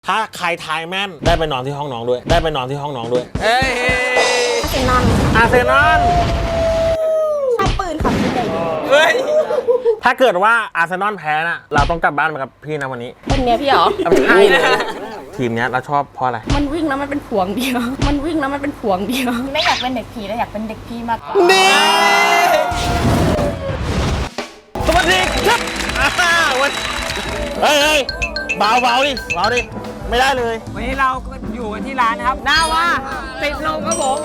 ถ้าใครทายแม่นได้ไปนอนที่ห้องน้องด้วยได้ไปนอนที่ห้องน้องด้วยเฮ้ยอาร์เซนอลชอบปืนค่ะพี่ใหญ่เฮ้ยถ้าเกิดว่าอาร์เซนอลแพ้น่ะเราต้องกลับบ้านมากับพี่นะวันนี้เป็นเมียพี่เหรอใช่เลยทีมนี้เราชอบเพราะอะไรมันวิ่งแล้วมันเป็นผวงเดียวมันวิ่งแล้วมันเป็นผวงเดียวไม่อยากเป็นเด็กผีแล้วอยากเป็นเด็กพี่มากนี่สวัสดีครับวันเฮ้ยเบาดิไม่ได้เลยวันนี้เราก็อยู่กันที่ร้านนะครับหน้าว่าติดลมครับผม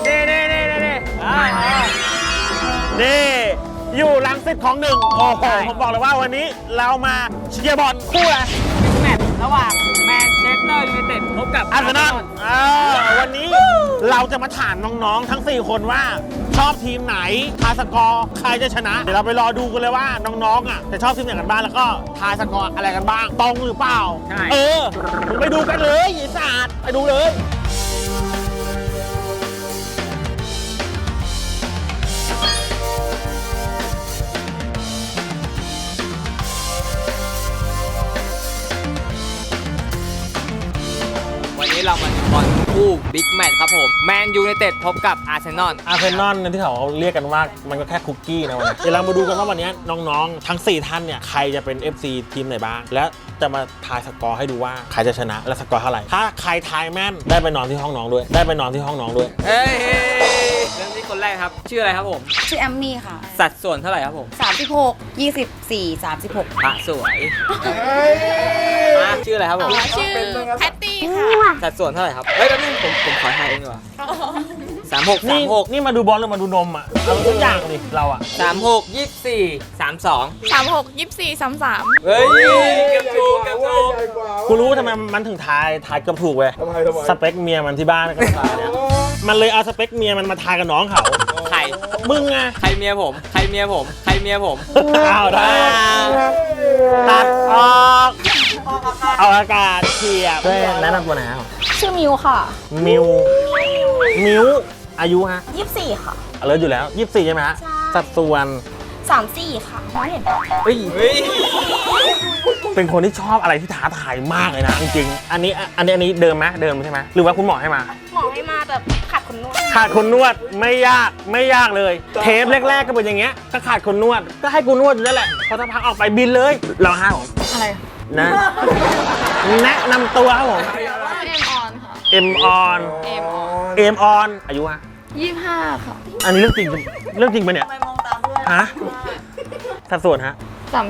นี่อยู่รังสิตของหนึ่งโอ้โหผมบอกเลยว่าวันนี้เรามาเชียร์บอลคู่อะไรแมตช์ระหว่างแมนเชสเตอร์ยูไนเต็ดพบกับอาร์เซนอลวันนี้เราจะมาถามน้องๆทั้ง4คนว่าชอบทีมไหนทายสกอร์ใครจะชนะเดี๋ยวเราไปรอดูกันเลยว่าน้องๆอ่ะจะชอบทีมไหนกันบ้างแล้วก็ทายสกอร์อะไรกันบ้างตรงหรือเปล่าไปดูกันเลยไอ้ศาสตร์ไปดูเลยวันนี้เรามาดูบอลคู่บิ๊กแมตช์ครับผมแมนยูไนเต็ดพบกับอาร์เซนอลที่เขาเรียกกันว่ามันก็แค่คุกกี้นะวันนี้เดี๋ยวเรามาดูกันว่าวันนี้น้องๆทั้ง4ท่านเนี่ยใครจะเป็น FC ทีมไหนบ้างและจะมาทายสกอร์ให้ดูว่าใครจะชนะและสกอร์เท่าไหร่ถ้าใครทายแม่นได้ไปนอนที่ห้องน้องด้วยเฮ้ยเริ่มที่คนแรกครับชื่ออะไรครับผมชื่อแอมมี่ค่ะสัดส่วนเท่าไหร่ครับผม 36 24 36 พระสวยชื่ออะไรครับผมชื่อแพตตี้ค่ะสัดส่วนเท่าไหร่ครับเฮ้ยแล้วนี่ผมขอทายเองดีกว่า36 นี่มาดูบอลหรือมาดูนมอ่ะเอาทุกอย่างดิเราอ่ะ 36 24 32 36 24 33 เฮ้ยเกือบถูกกูรู้ทำไมมันถึงทายเกือบถูกเว้ยสเปคเมียมันที่บ้านก็ทายเนี่ยมันเลยเอาสเปคเมียมันมาทายกับน้องเขาใครมึงไงใครเมียผมอ้าวได้ตัดออกเอาอากาศเฉียบด้วยแนะนำตัวหน่อยครับชื่อมิวค่ะมิวอายุฮะ 24ค่ะเลิศอยู่แล้ว24ใช่ไหมฮะสัดส่วน 34ค่ะน้องเห็นเฮ้ยเป็นคนที่ชอบอะไรที่ท้าทายมากเลยนะจริงๆอันนี้เดิมใช่ไหมหรือว่าคุณหมอให้มาแบบขาดคนนวดไม่ยากเลยเทปแรกๆก็เป็นอย่างเงี้ยก็ขาดคนนวดก็ให้กูนวดอยู่นั่นแหละพอสักพักออกไปบินเลยเราห้าผมอะไรนะแนะนำตัวครับผมเอ็มออนอายุฮะ 25ค่ะอันนี้เรื่องจริงปะเนี่ยฮะสัดส่วนฮะ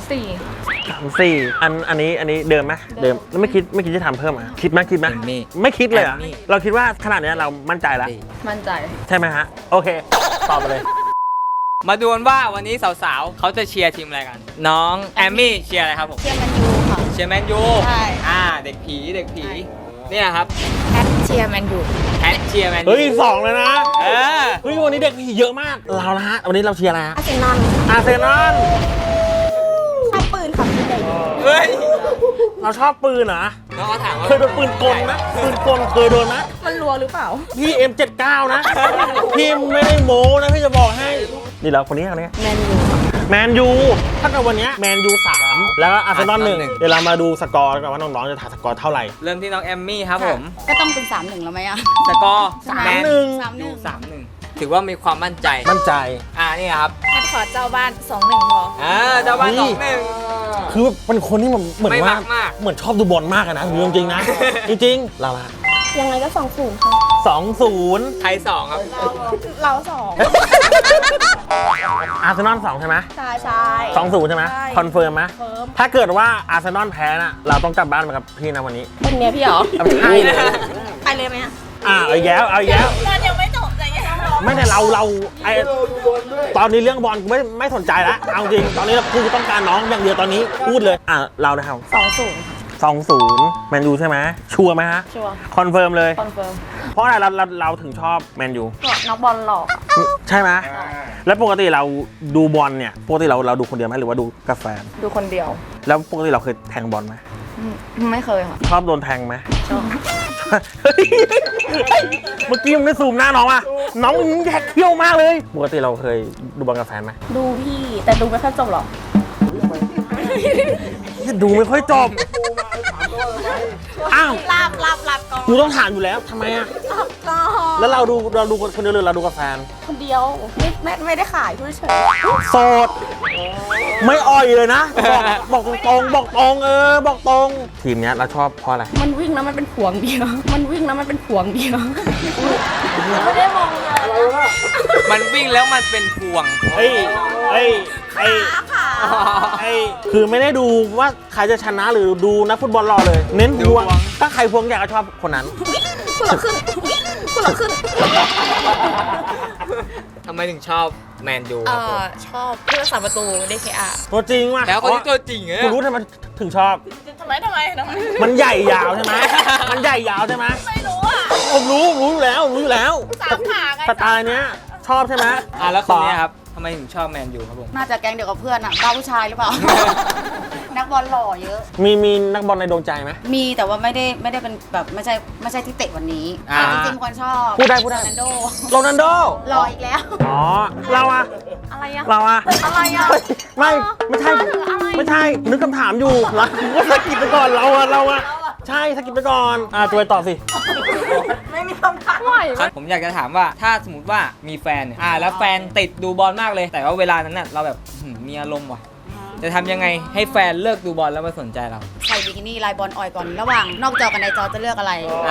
34อันนี้เดิมไหมเดิมแล้วไม่คิดจะทำเพิ่มอ่ะคิดไหมไม่คิดเลยอ่ะเราคิดว่าขนาดนี้เรามั่นใจแล้วมั่นใจใช่ไหมฮะโอเคตอบไปเลยมาดูกันว่าวันนี้สาวๆเขาจะเชียร์ทีมอะไรกันน้องแอมมี่เชียร์อะไรครับผมเชียร์แมนยูค่ะใช่เด็กผีเนี่ยครับแพทเชียร์แมนยูเฮ้ย2เลยนะเฮ้ยวันนี้เด็กผีเยอะมากเราละฮะวันนี้เราเชียร์อะไรฮะอาร์เซนอลชอบปืนค่ะพี่ใหญ่เฮ้ยเราชอบปืนเหรอน้องเขาถามว่าเคยโดนปืนกลนะเคยโดนนะมันรัวหรือเปล่าพี่ M79 นะพี่ไม่ได้โม้นะพี่จะบอกให้นี่เราคนนี้แมนยูถ้าเกิดวันนี้แมนยู3แล้วก็อาร์เซนอล1เดี๋ยวเรามาดูสกอร์กันว่าน้องๆจะถ่ายสกอร์เท่าไหร่เริ่มที่น้องแอมมี่ครับผมก็ต้องเป็น3-1แล้วไหมอะสกอร์ 3-1 ถือว่ามีความมั่นใจนี่ครับแพทขอเจ้าบ้าน 2-1 พอเจ้าบ้าน2-1 คือเป็นคนที่เหมือนว่าเหมือนชอบดูบอลมากนะจริงๆนะจริงๆเราละยังไงก็ 2-0 ค่ะ 2-0 ไทย2ครับเรา2 อาร์เซนอล2ใช่ไหมใช่ 2-0ใช่ไหมคอนเฟิร์มไหมถ้าเกิดว่าอาร์เซนอลแพ้น่ะเราต้องกลับบ้านมากับพี่นะวันนี้เป็นเมียพี่เหรอใช่เลยไปเลยไหมเอาอีกแล้วบอลยังไม่จบเลยไม่แต่เราตอนนี้เรื่องบอลไม่สนใจแล้วเอาจริงตอนนี้เราคือต้องการน้องอย่างเดียวตอนนี้พูดเลยเรานะครับ2-0แมนยูใช่ไหมชัวร์ไหมฮะชัวร์คอนเฟิร์มเลยเพราะอะไรเราถึงชอบแมนยูนักบอลหล่อใช่ไหมแล้วปกติเราดูบอลเนี่ยปกติเราดูคนเดียวไหมหรือว่าดูกับแฟนดูคนเดียวแล้วปกติเราเคยแทงบอลไหมไม่เคยค่ะชอบโดนแทงไหมชอบเมื่อกี้มึงได้ซูมหน้าน้องอ่ะน้องมึงแยกเขี้ยวมากเลยปกติเราเคยดูบอลกับแฟนไหมดูพี่แต่ดูไม่ค่อยจบหรอกดูไม่ค่อยจบอ้าวหลับก่อนกูต้องถามอยู่แล้วทำไมอ่ะหลับก่อนแล้วเราดูคนเดียวหรือเราดูกับแฟนคนเดียวไม่ได้ขายพูดเฉยโสด ไม่อ่อยเลยนะ บอกตรงบอกตรงบอกตรง ทีมเนี้ยเราชอบเพราะอะไรมันวิ่งแล้วมันเป็นห่วงเดียว มันวิ่งแล้วมันเป็นห่วงเดียวไม่ได้มองเลยมันวิ่งแล้วมันเป็นพวงเอ้คือไม่ได้ดูว่าใครจะชนะหรือดูนักฟุตบอลรอเลย เน้นพวง ถ้าใครพวงอยากจะชอบคนนั้นคุณละขึ้นคุณละขึ้นทำไมถึงชอบแมนยูครับผมชอบผู้รักษาประตู DKR ตัวจริงว่ะแล้วคนที่ตัวจริงเนี่ยกูรู้ทำไมถึงชอบทำไมมันใหญ่ยาวใช่ไหมมันใหญ่ยาวใช่ไหมไม่รู้อ่ะผมรู้อยู่แล้วสามขาไงสไตล์เนี้ยชอบใช่ไหมแล้วคนเนี้ยครับทำไมถึงชอบแมนยูครับผมน่าจะแก๊งเดียวกับเพื่อนอ่ะบ้าผู้ชายหรือเปล่า นักบอลหล่อเยอะมีนักบอลในดวงใจไหมมีแต่ว่าไม่ได้เป็นแบบไม่ใช่ที่เตะวันนี้อ่าจริงๆคนชอบพูดได้โรนัลโดโรนัลโดหล่ออีกแล้วอ๋อเราอะอะไรอะเราอะอะไรอะไม่ใช่นึกคำถามอยู่เราก็สกิปไปก่อนเราอะใช่สกิปไปก่อนตัวต่อสิไม่มีคำถามไหวครับผมอยากจะถามว่าถ้าสมมติว่ามีแฟนเนี่ยแล้วแฟนติดดูบอลมากเลย แต่ว่าเวลานั้นน่ะเราแบบมีอารมณ์ว่ะจะทำยังไงให้แฟนเลิกดูบอลแล้วมาสนใจเราใส่บิกินี่ลายบอลอ่อยก่อนระหว่างนอกจอกับในจอจะเลือกอะไร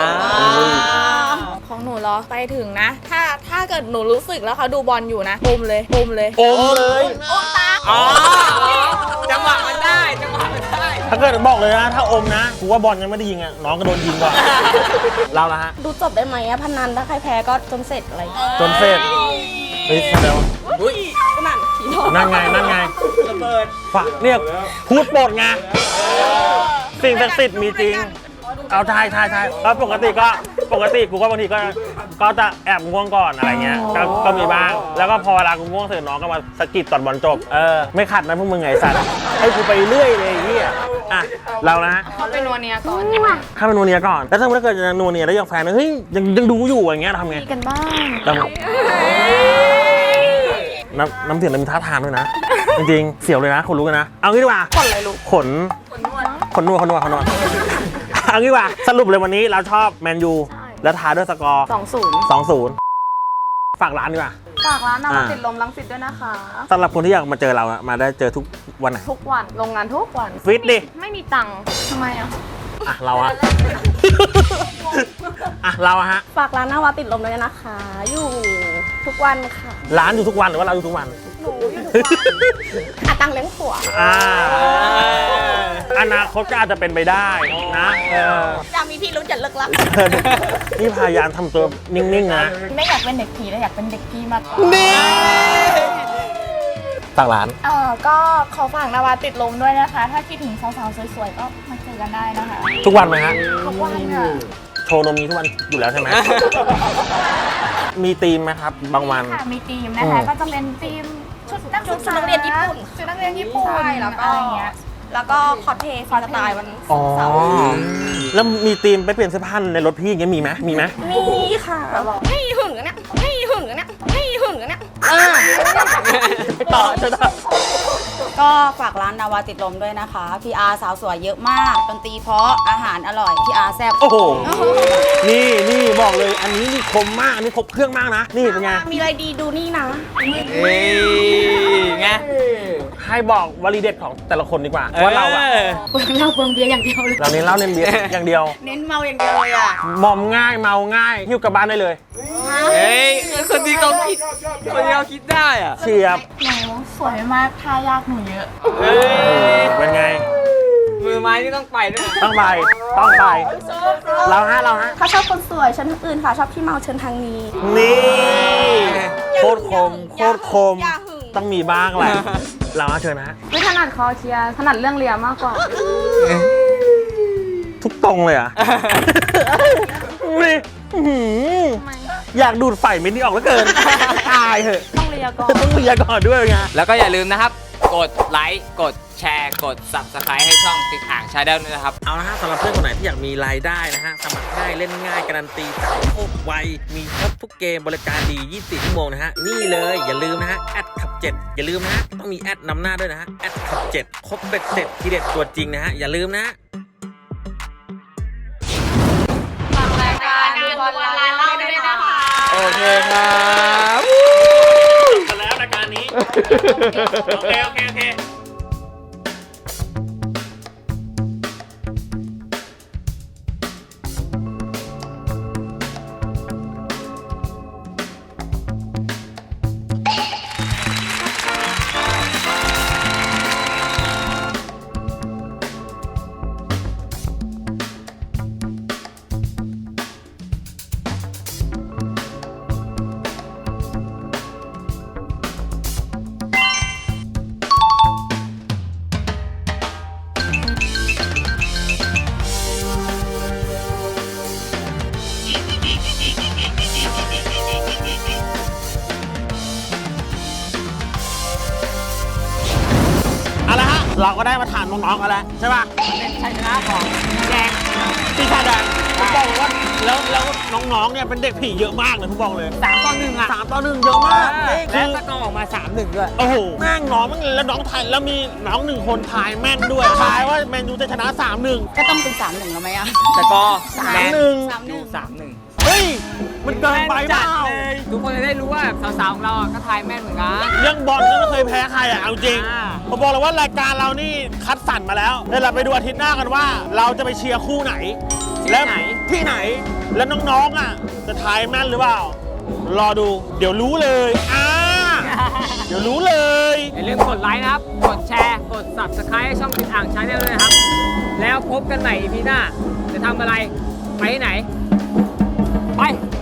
ของหนูเหรอไปถึงนะ ถ้าเกิดหนูรู้สึกแล้วเขาดูบอลอยู่นะอมเลยอมเลยอ๋อจังหวะมันได้ถ้าเกิดบอกเลยนะถ้าอมนะกูว่าบอลยังไม่ได้ยิงอะน้องก็โดนยิงก่อนเราละฮะดูจบได้ไหมอะพนันถ้าใครแพ้ก็จนเสร็จอะไรจนเสร็จเฮ้ยเดี๋ยวนั่นผีหลอกนั่นไงฝากเนี่ยพูดโปรดไงสิ่งศักดิ์สิทธิ์มีจริง เอาทายแล้วปกติกูก็บางทีก็จะแอบง่วงก่อนอะไรเงี้ยก็มีบ้างแล้วก็พอเวลากูง่วงเสร็จน้องก็มาสะกิดตอนบอลจบไม่ขัดนะพวกมึงไงสัตว์ให้กูไปเรื่อยเลยไอ้เหี้ยอ่ะเรานะเขาเป็นนัวเนียก่อนถ้าเป็นนัวเนียก่อนแล้วถ้าเกิดจะนัวเนียแล้วยังแฟนเฮ้ยยังดูอยู่อย่างเงี้ยทำไงมีกันบ้างน้ำเสียงมันมีท่าทางด้วยนะ จริงๆเสียวเลยนะขนลุกเลยนะ เอางี้ดีกว่าขนอะไรลูกขนนวดเอางี้ดีกว่าสรุปเลยวันนี้เราชอบแมนยูแล้วท้ายด้วยสกอร์ 2-0 ฝากร้านดีกว่าฝากร้านนาวาติดลมรังสิตด้วยนะคะสำหรับคนที่อยากมาเจอเราอะมาได้เจอทุกวันไหนทุกวันโรงงานทุกวันฟิตดิไม่มีตังค์ทำไมอ่ะเราอะเราอะฮะฝากร้านนาวาติดลมด้วยนะคะ อยู่ทุกวันค่ะร้านอยู่ทุกวันหรือว่าเราอยู่ทุกวันหนูอยู่ทุกวันตังเลี้ยงผัวอนาคตก็อาจจะเป็นไปได้นะอยากมีพี่รู้จักเลิกลักนี่พยายามทำตัวนิ่งๆนะไม่อยากเป็นเด็กผีแต่อยากเป็นเด็กพี่มากกว่าฝากร้านก็ขอฝากนาวาติดลมด้วยนะคะ ถ้าคิดถึงสาวๆสวยๆก็มาเจอกันได้นะคะทุกวันไหมฮะทุกวันค่ะโชว์นมนี้ทุกวันอยู่แล้วใช่ไหม มีธีมไหมครับ บางวันค่ะมีทีมนะคะ ก็จะเป็นทีมชุดนักศึกษาชุดนักเรียนญี่ปุ่นชุดนักเรียนญี่ปุ่นใช่แล้วก็อะไรอย่างเงี้ยแล้วก็คอสเพลย์ฟรีสไตล์วันอ๋อเสาร์แล้วมีธีมไปเปลี่ยนเสื้อผ้าในรถพี่อย่างเงี้ยมีไหมมีค่ะไม่หึงเนี่ยไม่หึงเนี่ยไม่หึงเนี่ยต่อก็ฝากร้านนาวาติดลมด้วยนะคะ PR สาวสวยเยอะมากดนตรีเพราะอาหารอร่อย PR แซ่บโอ้โห นี่บอกเลย อันนี้นี่คมมาก อันนี้ครบเครื่องมากนะ นี่เป็นไงมีอะไรดีดูนี่นะเฮ้ยไงให้บอกวลีเด็ดของแต่ละคนดีกว่าว่าเราอะเปลืองเหล้าเปลืองเบียร์อย่างเดียวเลยเราเน้นเหล้าเน้นเบียร์อย่างเดียวเน้นเมาอย่างเดียวเลยอ่ะมอมง่ายเมาง่ายหิ้วกลับบ้านได้เลยเฮ้ยคนที่เขาคิดได้อ่ะเฉียบหนูสวยมากท่ายากหนูเยอะเฮ้ยเป็นไงมือไม้นี่ต้องไปด้วยต้องไปเราฮะถ้าชอบคนสวยเชิญทางอื่นค่ะ ชอบพี่เมาเชิญทางนี้นี่โคตรคมอย่าหึงต้องมีบ้างแหละ เราเชิญนะไม่ถนัดคอเชียร์ถนัดเรื่องเรียมากกว่าทุกตรงเลยอ่ะ นี่อื้อหืออยากดูดไฟเม็ดนี้ออกแล้วเกิน ตายเหอะต้องเรียก่อนต้องเลียก่อนด้วยไงแล้วก็อย่าลืมนะครับ กดไลค์กดแชร์กด Subscribe ให้ช่องติ๊กอ่างชาแนลด้วยนะครับเอาละฮะสำหรับเพื่อนคนไหนที่อยากมีรายได้นะฮะ สมัครง่ายเล่นง่ายการันตีจ่ายโคตรไว มีครบทุกเกมบริการดี 24 ชั่วโมงนะฮะ นี่เลยอย่าลืมนะฮะแอดขับ 7 อย่าลืมนะฮะ ต้องมีแอดนำหน้าด้วยนะฮะแอดขับ 7 ครบเบ็ดเสร็จทีเด็ดตัวจริงนะฮะ อย่าลืมนะฮะบอลร้านเราด้วยนะคะโอเคครับมาแล้วรายการนี้ โอเค โอเค โอเค เอาละฮะ เราก็ได้มาถามน้องๆกันแล้วใช่ป่ะเป็นชัยชนะของแดงปีศาจแดงผมบอกเลยว่าแล้วน้องๆเนี่ยเป็นเด็กผีเยอะมากเลยผมบอกเลย 3-1 อ่ะ 3-1เยอะมากนี่คืและอสกอร์ออกมา 3-1 ด้วยโอ้โหแม่งน้องมันแล้วน้องทายแล้วมีน้องหนึ่งคนทายแม่นด้วยทายว่าแมนยูจะชนะ 3-1 ก็ต้องเป็น3-1แล้วไหมอะสกอร์ 3-1 แมน 3-1 ยู3-1 เฮ้ย มันเกินไปเปล่าทุกคนจะได้รู้ว่าสาวๆของเราก็ทายแม่นเหมือนกันเรื่องบอลก็ไม่เคยแพ้ใครอ่ะเอาจริงอ่าผมบอกเลยว่ารายการเรานี่คัดสรรมาแล้วเดี๋ยวเราไปดูอาทิตย์หน้ากันว่า เราจะไปเชียร์คู่ไหน และที่ไหนแล้วน้องๆอ่ะจะทายแม่นหรือเปล่า รอดูเดี๋ยวรู้เลยเดี๋ยวรู้เลยอย่าลืมกดไลค์นะครับ กดแชร์ กด subscribe ให้ช่องติดอ่างชาแนลด้วยนะครับ แล้วพบกันใหม่ EP หน้า จะทำอะไร ไปที่ไหน ไป